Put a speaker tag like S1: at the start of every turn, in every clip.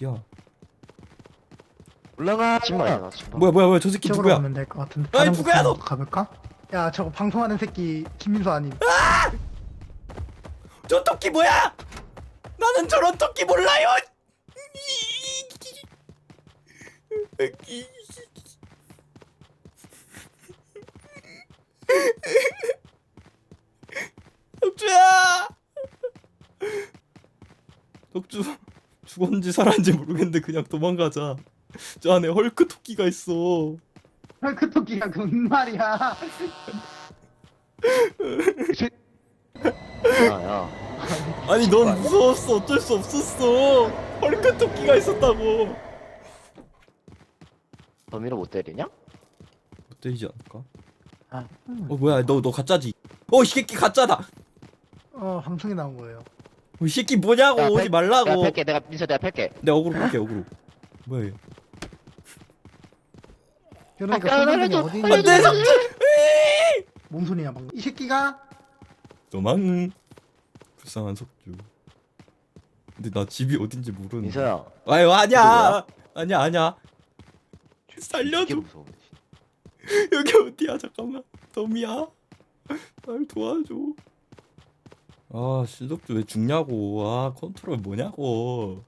S1: 어디야?
S2: 올라가. 침방이야 침방.
S1: 뭐야 저 새끼
S3: 이쪽으로
S1: 누구야?
S3: 가면 될 것 같은데.
S1: 아이,
S3: 다른
S1: 누구야,
S3: 곳으로
S1: 너?
S3: 가볼까? 야 저거 방송하는 새끼 김민수 아님?
S1: 저 토끼 뭐야? 나는 저런 토끼 몰라요. 덕주야. 덕주 죽었는지 살았는지 모르겠는데 그냥 도망가자. 저 안에 헐크 토끼가 있어.
S3: 그 토끼가 뭔 말이야?
S2: 야야.
S1: 아니 넌 무서웠어. 어쩔 수 없었어. 헐크 토끼가 있었다고.
S2: 범인을 못 때리냐?
S1: 못 때리지 않을까?
S3: 아,
S1: 뭐야 너 가짜지? 이 새끼 가짜다.
S3: 방송에 나온 거예요.
S1: 이 새끼 뭐냐고.
S2: 야,
S1: 오지 말라고.
S2: 내가 팰게. 내가 민서 내가 팰게.
S1: 내가 어그로 끌게 어그로. 뭐야 얘.
S3: 그러니까
S2: 아,
S3: 선생님이
S2: 좀-
S3: 어디
S1: 안돼
S3: 있는지
S1: 삭제.
S3: 뭔 소리야 방금? 이 새끼가
S1: 도망. 불쌍한 석주. 근데 나 집이 어딘지 모르는데.
S2: 민서야.
S1: 아유 아니야. 아니야. 살려줘.
S2: 이게 무서워.
S1: 여기 어디야? 잠깐만. 덤이야. 날 도와줘. 아 신석주 왜 죽냐고. 아 컨트롤 뭐냐고.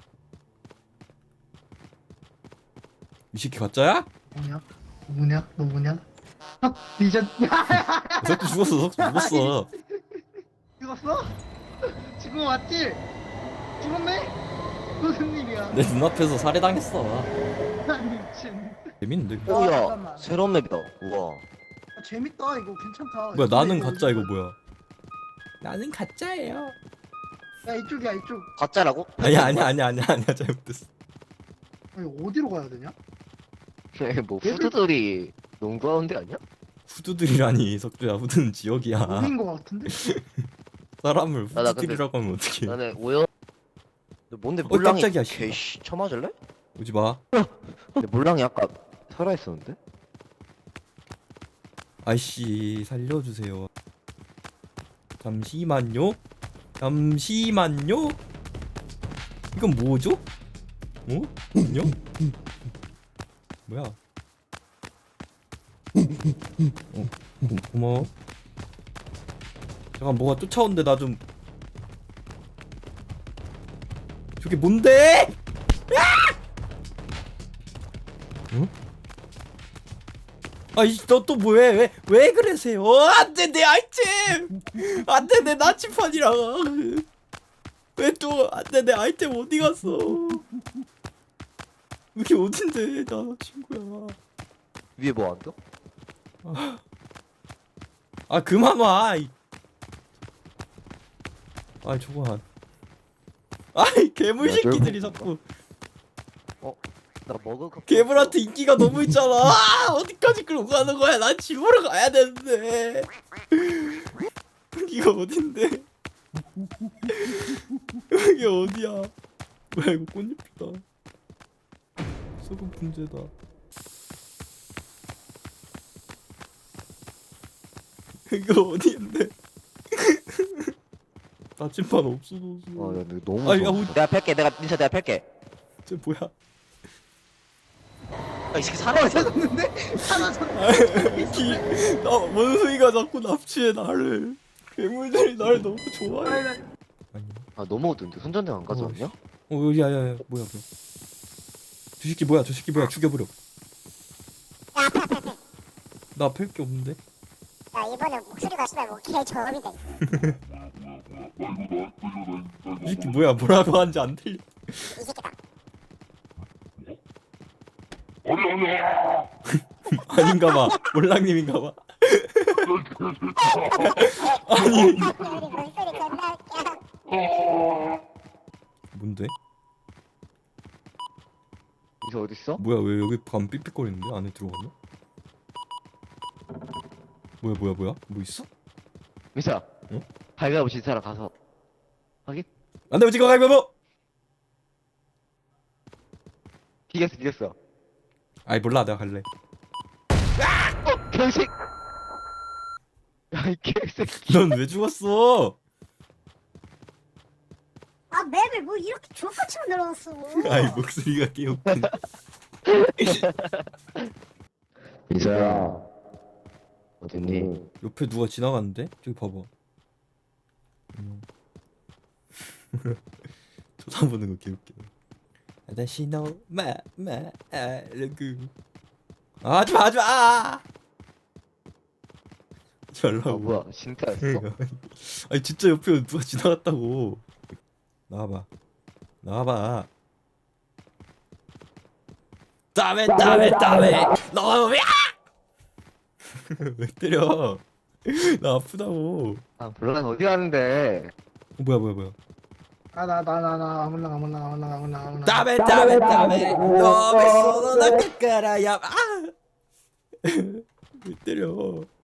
S1: 이 새끼 가짜야?
S3: 뭐냐? 뭐냐? 너 뭐냐? 리전
S1: 석주 죽었어. 석주 죽었어.
S3: 죽었어? 지금 왔지? 죽었네? 무슨 일이야?
S1: 내 눈앞에서 살해당했어.
S3: 미친.
S1: 재밌는데? 이거?
S2: 오야.
S3: 잠깐만.
S2: 새로운 맵이다. 우와.
S3: 재밌다 이거 괜찮다.
S1: 뭐야 나는
S3: 이거
S1: 가짜 이거 뭐야? 나는 가짜예요.
S3: 야 이쪽이야 이쪽.
S2: 가짜라고?
S1: 아니야 잘못됐어.
S3: 아니, 어디로 가야 되냐?
S2: 뭐 후드들이 농구하는 데 아니야?
S1: 후드들이라니 석주야. 후드는 지역이야.
S3: 어딘 거 같은데?
S1: 사람을
S2: 나 근데-
S1: 후드들이라고 하면 어떡해.
S2: 나는 오연. 너 뭔데 몰랑이?
S1: 깜짝이야, 씨발.
S2: 개씨 쳐맞을래?
S1: 오지 마.
S2: 근데 몰랑이 아까 살아 있었는데?
S1: 아이씨 살려주세요. 잠시만요. 이건 뭐죠? 안녕? 뭐야? 고마워. 잠깐 뭐가 쫓아온대. 나 좀. 저게 뭔데? 응? 아이 너 또 뭐해? 왜 그러세요? 안돼 내 아이템. 안돼 내 나침판이랑. 왜 또 안돼 내 아이템 어디 갔어? 여기 어딘데 나 친구야.
S2: 위에 뭐 안 떠?
S1: 아 그만 와. 아 저거. 아이 괴물
S2: 야,
S1: 새끼들이
S2: 저거-
S1: 자꾸.
S2: 나 먹을 거.
S1: 괴물한테 인기가 너무 있잖아. 어디까지 끌고 가는 거야? 난 집으로 가야 되는데. 여기가 어딘데? 여기 어디야? 뭐야 이거 꽃잎이다. 썩은 분재다. 여기가 어디인데? 나침반 없어졌어.
S2: 야, 근데 너무
S1: 아니,
S2: 무서워.
S1: 야,
S2: 내가 팰게. 민서 내가 팰게.
S1: 쟤 뭐야?
S2: 이 새끼 살아 있어.
S3: 사라졌는데? 사라졌는데?
S1: 원숭이가 자꾸 납치해 나를. 괴물들이 날 너무 좋아해.
S3: 아니,
S1: 아니.
S2: 아 너무 어두운데 손전등 안 가져왔냐?
S1: 야야야 뭐야. 저 새끼 뭐야? 죽여버려. 나 팰 게 없는데.
S4: 야 이번에 목소리가 씨발 뭐개 저음이다.
S1: 이 새끼 뭐라고 하는지 안 들려.
S4: 이 새끼다.
S1: 아닌가봐. 몰랑님인가봐. 아니
S4: 우리 목소리 존나 웃겨.
S1: 뭔데?
S2: 민서 어디 있어?
S1: 뭐야 왜 여기 밤 삑삑거리는데? 안에 들어가면? 뭐야 뭐 있어?
S2: 민서야.
S1: 응?
S2: 발가벗 신 사람 가서 확인?
S1: 안돼 오지마 가위바위보.
S2: 이겼어.
S1: 아이 몰라 내가 갈래.
S2: 병식. 야이 개새끼.
S1: 넌 왜 죽었어?
S4: 아 맵을 뭐 이렇게 족같이 만들어놨어.
S1: 아이 목소리가 개웃긴.
S2: 민서야. 어딨니?
S1: 옆에 누가 지나갔는데? 저기 봐봐. 쳐다보는 거 개웃겨. 다시 너마마르그. 하지마 하지마. 하지
S2: 아
S1: 말라고.
S2: 뭐야 진짜였어?
S1: 아니 진짜 옆에 누가 지나갔다고. 나와봐. 나와봐. 다음에 너 왜? 왜 때려? 나 아프다고.
S2: 아 물론 어디 가는데?
S1: 뭐야.
S3: 나 아무나
S1: 다음에 너왜 손을 깎아라 야. 아! 왜 때려?